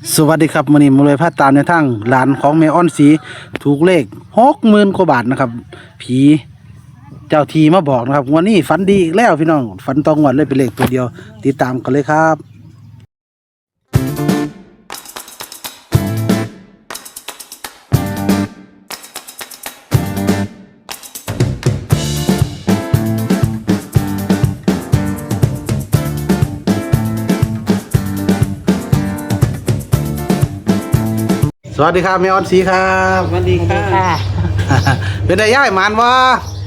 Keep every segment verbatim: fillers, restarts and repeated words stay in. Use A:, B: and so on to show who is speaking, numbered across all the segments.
A: สวัสดีครับมื้อนี้มาเลยพาตามในทางหลานของแม่อ้อนสีถูกเลขหกหมื่นกว่าบาทนะครับผีเจ้าทีมาบอกนะครับวันนี้ฝันดีอีกแล้วพี่น้องฝันตองวันเลยเป็นเลขตัวเดียวติดตามกันเลยครับสวัสดีครับแม่อ้อนสีครับ
B: สวัสดีค่ะ
A: เป็นไงย่ายหมันวะ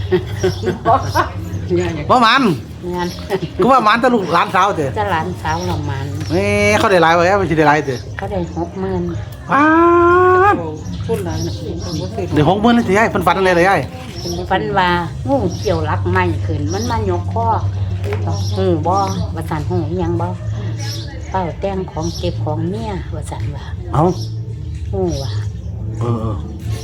A: ว่าหมัน
C: งาน
A: ก็ว่าหมันตะลุกหลานสาวเถอะ
C: จะหลานสาวเรามัน
A: นี่เขาได้หลายไว้ไม่ใช่ได้หลายเถอะ
C: เขาได้หกหมื่น
A: อ้า
B: พูดหลายนะ
A: เดี๋ยวหกหมื่นเลยสิย่ายเพิ่นฝันอะไรเลยย่าย
C: ฝันว่างูเกี่ยวรักไม้ขึ้นมันมายกข้อหูบ่ว่าสันหูอิหยังบ่เป้าแต่งของเก็บของเมียว่าสันว่า
A: เอ้า
C: หูว่า
A: เออเออ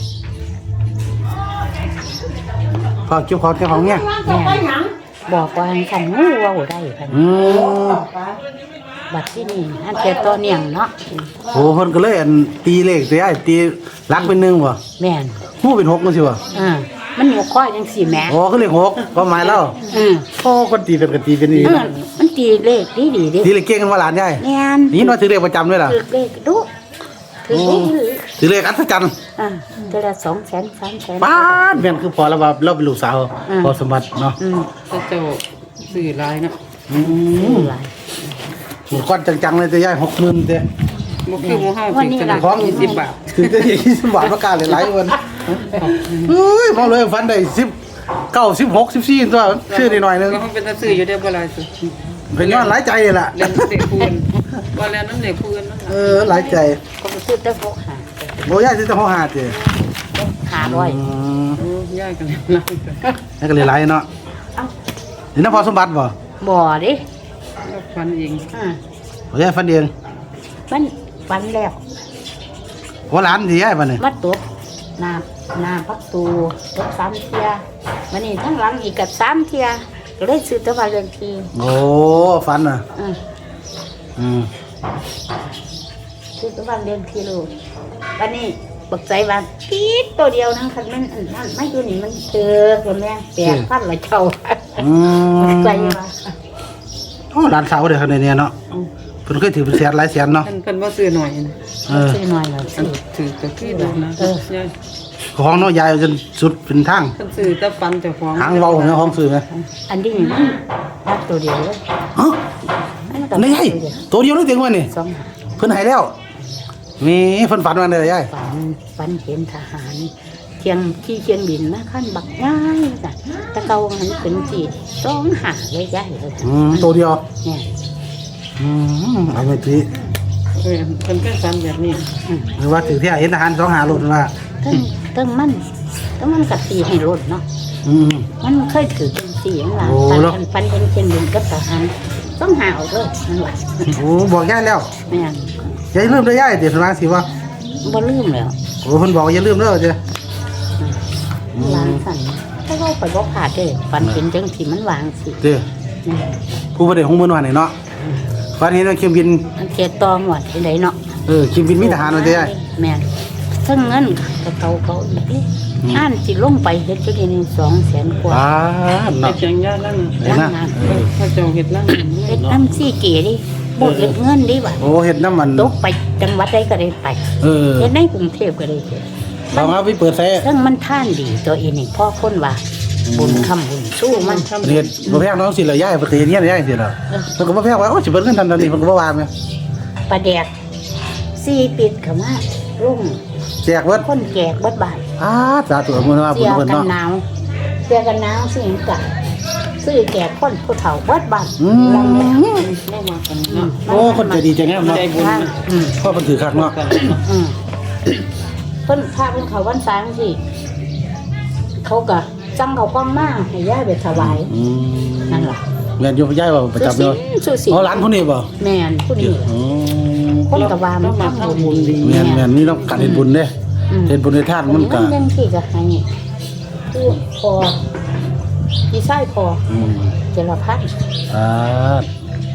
A: พอเกี่ยวของเกี่ยวของเนี่ย
C: แม่บอกว่าขันงูเว่าได้กัน
A: อืม
C: บัดที่นี่อันเจอตัวเนียงเนาะ
A: โหเพิ่นก็เลยอันตีเลขสิย่ายตีรักเป็นหนึ่งบ่
C: แม่น
A: ฮู้เป็นหกจังซี่บ่
C: อ่ามันยกข้อจังสี่แหม่
A: อ๋อคือเลขหกความหมายแล้ว
C: อืม
A: โอ้คนตีเป็นก็ตีเป็นอี
C: เออมันตีเลขดีดีดิ
A: ตีเลขเก่งกันว่าหลานย่าย
C: แม่น
A: นี่ว่าถือเลขประจำด้วยล่ะ
C: ถือเลขดูถือเลขถือ
A: ถือเลขอัศจรรย์
C: อ่าเดือนละสองแสนสามแสน
A: ป้าดแม่นคือพอแล้วว่าเราเป็นลูกสาว
C: อืม
A: พอสมบัติเนาะ
C: อืม
B: ก็เจ้าสื่อหลายนะ
A: อื
C: ซื้
A: ม
C: อหลาย
A: หมดก้อนจังๆเลยจะย่ายหกหมื่นเด้
B: บ่คือหมู่เฮา
C: วันนี้
B: สิ
C: ล่ะ
B: ของยี่สิบบาท
A: ถึงจะยี่สิบบาทประกาศหลายๆวันเฮ้ยมองเลยฟันได้สิบเก้าสิบหกสิบสี่ตัวชื่อนิดหน่อยนึง
B: ก็เป็นตาสื่ออยู่ได้บ่หลายสิ
A: เป็นย้อนหลายใจเลยล่ะ
B: เรียนเด็กพูนว่าแล้วนั้นเด็กพูนนั่น
A: เออหลายใจ
C: ก็ไปซื้อแต่พวกหา
A: โอ้ยายที่จะห้องหาเจ้
C: หาร้อย
A: อืม
B: โอ้ยายกันแล้ว
A: นี่ก็เลยหลายเนาะ
C: เอ้า
A: นี่น้ำพอสมบัติบ่
C: บ่ดิ
B: ฟันเอง
C: อ่า
A: โอ้ยายฟันเอง
C: มันฟันแล้ว
A: ว่าหลานที่ยายฟันเนี่ย
C: มาตบน้ำน้ำพักตูตบสามเทียมันนี่ทั้งหลังอีกกับสามเทียก็เลยซื้อแตัวาเรือนที
A: โอ้ฟันอ่ะ
C: อืม
A: อืม
C: ซื้อแตัวาเรือนทีลูกวันนี้บักใจว่าปี๊ดตัวเดียวนั่งคันมันอันนั้นไม่ตัวนี้มันเจอคนแม่แปดพันละเจ้า
A: อืม
C: ใจว่า
A: โอ้หลานสาวเด็กคนนี้เนาะเพิ่นเคยถือเป็นแสนหลายแสนเนาะ
B: เพิ่นเพิ่นบ่ซื้อหน่อยนะ
A: เออ
C: ซื้อหน่อยหน่อย
B: อัน
C: ซื้อ
B: ถือก็คือได้นะยาย
A: ของเนาะยายเอาจนสุดเป็นทาง
B: เพิ่นซื้อแต่ฟันแต่ของ
A: หางเว้าของของซื้อไหม
C: อันนี้มันรักตัวเดียวเลย
A: ฮะ
C: อันนั้นก็
A: นี่ไงตัวเดียวเลยเต็งวันนี่
C: สองหา
A: เพิ่นให้แล้วมีเพิ่นฝันวันเลยยาย
C: ฝันฝันเห็นทหารเทียงที่เชียงบินมาขั้นบักง่ายจ้ะตะเกาหันเป็นจีสองหาเลยใหญ่เลยจ้ะ
A: อืมตัวเดียว
C: เนี่ย
A: อืมเอาไปที
B: เออเพิ่นก็ฟันแบบนี้
A: หรือว่าถือที่เห็นทหารสองหาหลุดว่า
C: ตั้งตั้งมันตั้งมันกัดตีให้รถเนาะ
A: อืม
C: มันเคยถือเป็นสีอย่างไร
A: โอ้
C: ฟัน
A: แล้ว
C: ฟันเป็นเชียงบินกับทหารต้องหาเอาเลยนั่นแหละ
A: โอ้บอกยายแล้ว
C: แม่น
A: อย่าลืมเด้อยายเดี๋ยวสมาสิว่า
C: บ่ลืมแล้ว
A: โอ้เพิ่นบอกอย่าลืมเด้อเจ้
C: ร้านสั่นถ้าเราไปบ่ผ่าดเลยฟันเห็นจังสีมันวางสิ
A: เด้อ
C: นี่
A: ผู้บ่ได้หงมื้อวานนี่เนาะฝันเห็นว่าเครื่องบิน
C: มันเกตตอหมดที่ไหนเนาะ
A: เออเครื่องบินมีทหารว่าเด้อยาย
C: แม่นทั้งเงินกับเขาเขาอีกนี่อ่านสิลงไปเฮ็ดจังนี้สองแสนกว่า
A: อ่า
B: เฮ็
A: เนาะ
B: ดจังยานั่น
A: เห็น
C: นั่
A: นะ
C: งงาน
B: ถ้าเจ้าเฮ็ดนั่น
C: เฮ็ดน้ำซี่เก๋ดิบ่เฮ็ดเงินดิว่ะ
A: โอ้เฮ็ดน้ำมัน
C: ตกไปจังหวัดใดก็ได้ไป
A: เออ
C: เฮ็ดในกรุงเทพก็ได้เฮ็ด
A: เรามาไปเปิดแซ่
C: ซึ่งมันท่านดีตัวเองนี่พ่อคนว่าบุญคำบุญสู้มัน
A: เฮ็ดบ่แพงน้องสิละยายเพิ่นเคยเฮ็ดเฮียนยายสิล่ะเพิ่นก็บ่แพงว่าโอ้สิเบิดเงินทันตอนนี้เพิ่นก็บ่ว่าแม่
C: ปลาแดกซี่ปิดเข้ามารุ่ง
A: แจกเบิด
C: คนแก่เบิดบาท
A: อ่าสาธุอนุโมทนาบุ
C: เสี
A: ญ
C: ย
A: เพิ่น
C: กัน
A: เนาะ
C: หนาวเสียกันหนาวสิงกะซื้อแก่คนผู้เฒ่าเบิดบาท
A: อืม
C: ลองแล้ว
B: บ่มากันเนาะ
A: โอ้คนใจดีใจงามเนาะ
B: ได้บุญนะ
C: อืม
A: พ่อเพิ่นถือคักเนาะ
C: อืมเพิ่นพาเพิ่นเขาวันสางสิเขาก็จังเขากล้องมาให้ย่าไปถวาย
A: อืม
C: นั่นล่ะ
A: แม่นอยู่ยายบ่ประจำ
C: สุ
A: เนาะ
C: สิสุสิ
A: อ๋อหลานผู้นี้บ่
C: แม่นผู้นี้
A: อ๋อ
C: คนก็ว่ามันทำบุญดี
A: แม่นแม่นนี่ต้องการเฮ็ดบุญเด้
C: อืม
A: เฮ็ดบุญในทานมันก็
C: เรื่องที่ก็ให้คือพอพี่ไส้พอ
A: อืม
C: เจรพัฒน์
A: อ่า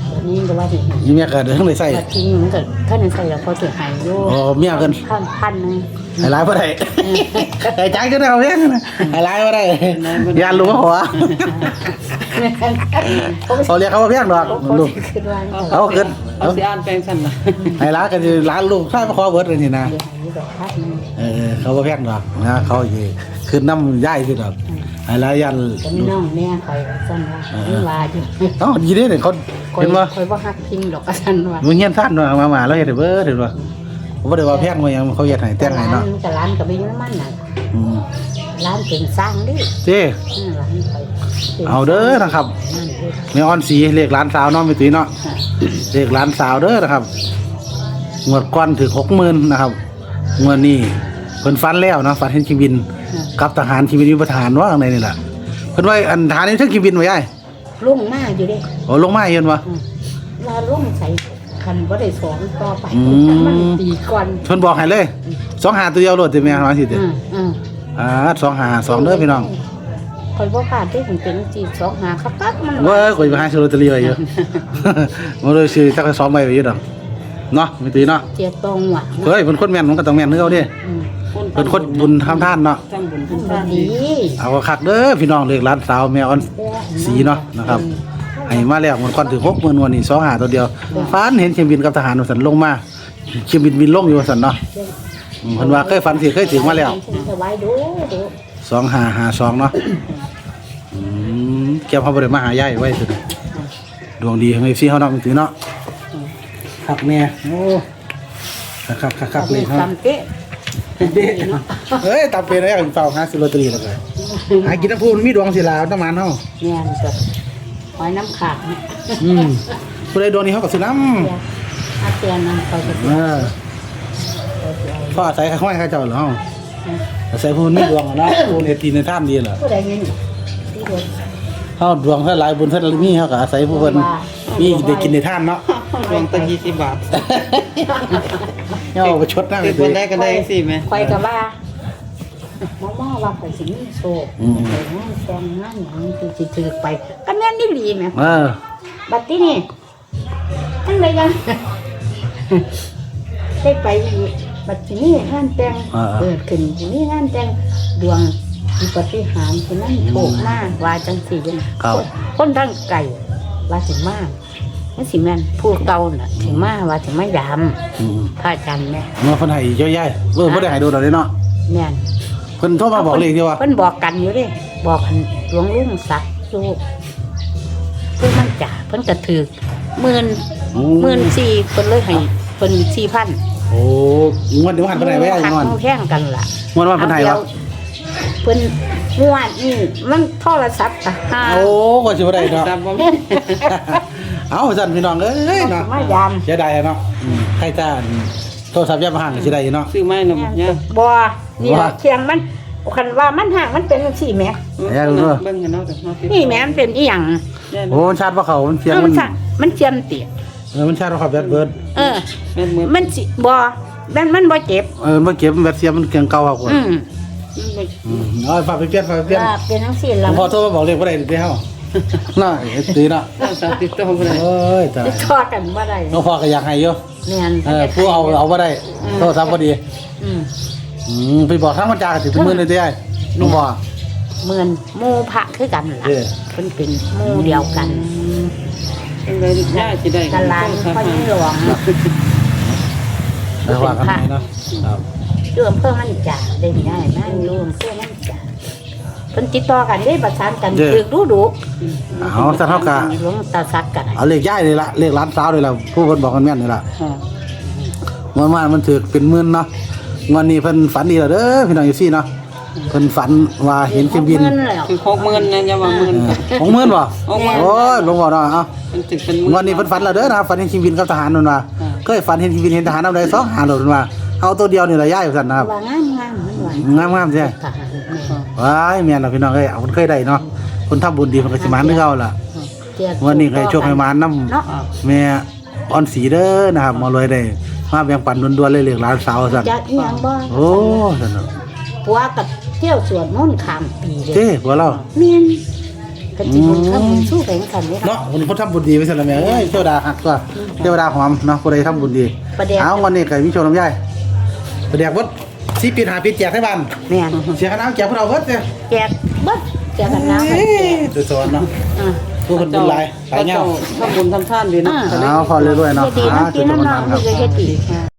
C: วันนี้ก็ว่าสิ
A: อีเมียก็เด้ทั้งได้ใส่
C: ก็ทิ้งมันก็ท่านใส่แล้วพอสิหายอยู่
A: อ๋อเมียเพิ่น
C: พันพันนึง
A: ให้หลายบ่ได้ให้จ่ายก็ได้เอาเพียงนะให้หลายบ่ได้อย่ารู้ว่าหัวเขาเรียกเขาว่าเพียงดอก
C: เขา
A: ลูก
C: สิคิดว่า
A: เอาขึ้น
B: เอาสิอ่านแปลงสั่นล่ะ
A: ให้หลานก็สิหลานลูกใครมาขอเบิดเลยนี่นะ
C: เดี๋ยวหายดอกพันนึง
A: เออเขาบ่แพงดอกนะเขาสิขึ้นน้ำย้ายสิดอกให้หลายยัน
C: ก็มีน้องแม่คอยสั่นว่าไม่ว่าอยู่
A: เอ้าดีเด้เนี่ยเขา
C: คอย
A: เห็นบ่
C: คอยบ่ฮักพิงดอกก็สั่นว่า
A: มึงเฮียนซ่านว่ามามาแล้วเฮ็ดให้เบิดเห็นบ่ผมบ่ได้ว่าแพงว่าหยังเขาเฮ็ดให้แต่งให้เนาะ
C: แต่ร้านก็ไม่ยุ่งมันน่ะ
A: อืม
C: ร้านเป็นสร้างดิ
A: เจ้
C: อืมร้านคอยป็น
A: เอาเด้อนะครับ
C: นั่นเด้อ
A: แม่อ่อนสีเลขหลานสาวเนาะแม่ตุ้ยเนาะเลขหลานสาวเด้อนะครับงวดก่อนถึง หกหมื่น นะครับงวดนี้เพิ่นฟันแล้วเนาะฟันเห็นชีวินกับทหารชีวินวิทหารว่าข้างในนี่แหละเพิ่นว่าอันทหารนี่ถึงชีวินไว้ยาย
C: ลุ่งมากอยู่เด้
A: โอ้ลงมาเห็นบ่
C: อืมว่าลุ่งใส่คันบ่ได้สอนต่อไป
A: อืม
C: มันปีก่อน
A: เพิ่นบอกให้เลยสองหาตัวเดียวโลดติแม่ว่าสิติ
C: อืมอืม
A: อ่าสองหาสองเด้อพี่น้อง
C: คอยบ่พลาดที่ถึงเป็นจีสองหาครับปั๊บมัน
A: เว้ยข่อยไปหาซื้อลอตเตอรี่ไว้อยู่ บ่ได้ซื้อจักสองใบไว้อยู่ดอกเนาะแม่ตุ้ยเนาะ
C: เจียตรงว่ะ
A: เฮ้ยเพิ่นคนแม่นมันก็ต้องแม่นคือเก่าเด้
C: อืม
A: เพิ่นคนบุญทำทานเนาะ
B: ทำบุญ
C: มัน
B: ทำ
C: บ่
B: ทาน
C: ดี
B: ดี
A: เอาคักเด้อพี่น้องเลขร้านสาวแม่ออนสีเนาะนะครับให้มาแล้วมันก่อนถึงหกหมื่นวันนี้สองหาตัวเดียวฝันเห็นเครื่องบินกับทหารว่าสันลงมาเครื่องบินบินลงอยู่ว่าสันเนาะอืมเพิ่นว่าเคยฝันสิเคยถึงมาแล้ว
C: ฉันจะไว้ดูดู
A: สองหาหาสองเนาะอืมแก้วเขาบ่ได้มาหายายไว้สุดดวงดีให้พี่เฮาเนาะมันถือเนาะคักแม่โอ้คักคักคักๆๆเลยเนาะ
C: ซ้ำเป๊ะ
A: เฮ้ยตามเป็นแล้วเฝ้าหาซื้อลอตเตอรี่แล้วก็หากินน้ำพูนมีดวงสิลาวน้ำมันเฮา
C: เนี่ยมันก็หอยน้ำขาดเนี่ย
A: อืมผู้ใดโดนนี่เขาก็ซื้อน้ำ
C: อาเจียนนั่นคอยจะ
A: เออพ่ออาศัยข้าห้อยข้าเจ้าเหรออาศัยผู้มีดวงอะเนาะผู้เนี่ยทีในท่ามดีเหรอ
C: ผู้ใดเงินที่เดียว
A: เฮาดวงเท่าหลายบุญเท่ามีเฮาก็อาศัยผู้เพิ่นมีได้กินในท่านเนาะ
B: ดวงตั้งยี่สิบบาท
A: เอาไปชดหน้าไป
B: ติด
A: สิ
B: วันได้ก็ได้สิแม่
C: คอยกับว่าหมอหมอว่าข่อยสิมีโชคไปงานแต่งงานหยังที่สิถือไปก็แม่นนี่หลีแหม
A: เออ
C: บัดนี้นี่ทั้งใดยัง ได้ไปอีกบัดนี้งานแต่งเกิดขึ้นที่นี่งานแต่งดวงมีปฏิหารย์ที่นั่นโชคมากว่าจังสี่จัง
A: ครับ
C: คนทั้งไก่ว่าสิมากนั่นสิแม่นผู้เก่าน่ะสิมาว่าสิมายาม
A: อืม
C: พระอาจารย์แม่
A: เมื่อเพิ่นให้เยอะแยะเออบ่ได้ให้โดนดอกเด้เนาะ
C: แม่น
A: เพิ่นโทรมาบอกเลขเดียวว่า
C: เพิ่นบอกกันอยู่เด้บอกกันหลวงลุงศักดิ์อยู่เพิ่นมันจ่าเพิ่นก็ถือหมื่นหมื่นสี่เพิ่นเลยให้เพิ่นสี่พัน
A: โอ้งวดเดี๋ยวหันไปไหนไว้ไอ้งอน
C: แข่งกันล่ะ
A: งวดว่าเพิ่นให้วะ
C: เพิ่นงวดนี่มันโทรศัพท์อะหา
A: โอ้ก็สิบ่ได้เนาะ
B: ตามบ่
A: เอาสั่นพี่น้องเอ้ยเนาะ
C: มายาม
A: เสียดายอะเนาะอืมใครจ้าโทรศัพท์ยามห่างก็สิได้อยู่เนาะ
B: ซื้อไม้เนาะเนี่ย
C: บ่นี่
A: ว่า
C: ล่ะเคียงมันคันว่ามันห่างมันเป็นจังซี่แหม
A: อย่ารู้เนอะ
B: เบิ่งกันเนาะเดี๋ยวเนาะ
C: นี่แหมมันเป็นอีหยัง
A: โอ้มันชาร์จบ่เข้ามันเสียง
C: เออ
A: มั
C: มัน นชะมันเจียมเตีย
A: เออมันชาร์จบ่เข้าแบตเบิด
C: เออ
B: แม่นมือ
C: มันสิบ่มันมันบ่เจ็บ
A: เออมันเก็บแบตเสียมันเครื่องเก่าครับคน
C: อืม
A: อืมเอาฝากไปเปลี่ยนฝากไปเปลี่ยน
C: ว่าเป็นจังซี่
A: หล
C: ล่ะ
A: วงพ่อโทรมาบอกเลขบ่ได้เด้เฮาน่าเอ็ดตีเนาะ
B: สามติดต่อบ่ได้
A: โอ้ยตาย
C: ติดต่อกันบ่ได้
A: หลวงพ่อก็อยากให้อยู่
C: แม่น
A: เออผู้เอาเอาบ่ได้โทรศัพท์บ่ดี
C: อืม
A: อืมไปบอกทางมันจาก็สิถึงมื้อเลยเด้หลวงพ่อ
C: เหมือนหมู่พระคือกันล่ะ
A: เออ
C: เพิ่นเป็นหมู่เดียวกัน
B: จังได๋ย่าสิได้
C: กันลานพ่อยิ่งหลวง
A: แล้วว่ากันไหมเนาะครับ
C: อยู่อำเภอมันจ่าได้ง่ายนะอยู่อำเภอมันจ่าเพิ่นติดต่อกันได้ประสานกันดึกดูดู
A: เอาซะเท่ากับ
C: หลวงตาซักกัน
A: เอาเลขย้ายเลยล่ะเลขร้านสาวเลยล่ะผู้เพิ่นบอกกันแม่นนี่ล่ะ
B: ค่ะ
A: งวดมามันถือเป็นหมื่นเนาะงวดนี้เพิ่นฝันดีแล้วเด้อพี่น้องอยู่ซี่เนาะเพิ่นฝันว่าเห็นเครื่องบิน
C: เงินแล้ว
B: คือหกหมื่นนะอย่าว่าหมื่น
A: เออของหมื่นบ่
B: หกหมื่น
A: โอ้ยหลวงพ่อเนาะเอา
B: มันถึงเป็น
A: งวดนี้เพิ่นฝันแล้วเด้อนะครับฝันเห็นเครื่องบินกับทหารนั่นว่าเคยฝันเห็นเครื่องบินเห็นทหารนำใดสองหาโดดว่าเอาตัวเดียวนี่ล่ะย้ายซั่นนะครับ
C: ว่างามงามมันหวาน
A: งามๆใช่
C: ทหารแม่
A: ว้ายแม่นล่ะพี่น้องเอ้ยเอาเพิ่นเคยได้เนาะคนทำบุญดีเพิ่นก็สิมาคือเก่าล่ะ
C: เจีย
A: วันนี้ใครโชคให้มานำ
C: เนาะ
A: แม่ออนสีเด้อนะครับมาเลยได้มาแบ่งปันด่วนๆเลยเรียกหลานสาวสั่น
C: จะอีหยังบ่
A: โอ้สั่นเนาะ
C: ผัวกับเที่ยวสวนมนต์ข้ามปีเลย
A: เจ้หัวเรา
C: แม่นเป็นสิบุญข้ามบุญสู้แข่งขันนี่ค่ะ
A: เนาะวันนี้เพิ่นทำบุญดีไปซั่นล่ะแม่เอ้ยเทวดาฮักตัวเทวดาหอมเนาะผู้ใดทำบุญดี
C: ประเดี๋ยว
A: เอาวันนี้ก็มีโชว์น้ำยายประเดี๋ยววัดสี่ปีห้าปีแจกให้บ้าน
C: แม่น
A: เสียค่าน้ำแจกพวกเราเบิดเด้อ
C: แจกเบิดแจกกันน้ำให้แจก
A: ตัวสอนเนาะ
C: อ่า
A: ผู้คนบุญหลายหลายเงา
B: ทำบุญทำทานดีเนาะ
A: เอาพอเรื่อยๆเนาะ
C: เฮ็ดดี
A: อ่า
C: น้ำ
A: จุ
C: กิ
A: ด
C: น
A: ประ
C: น้ำ
A: มาณ
C: น้ำ
A: ครับ
C: คือเฮ็ดดี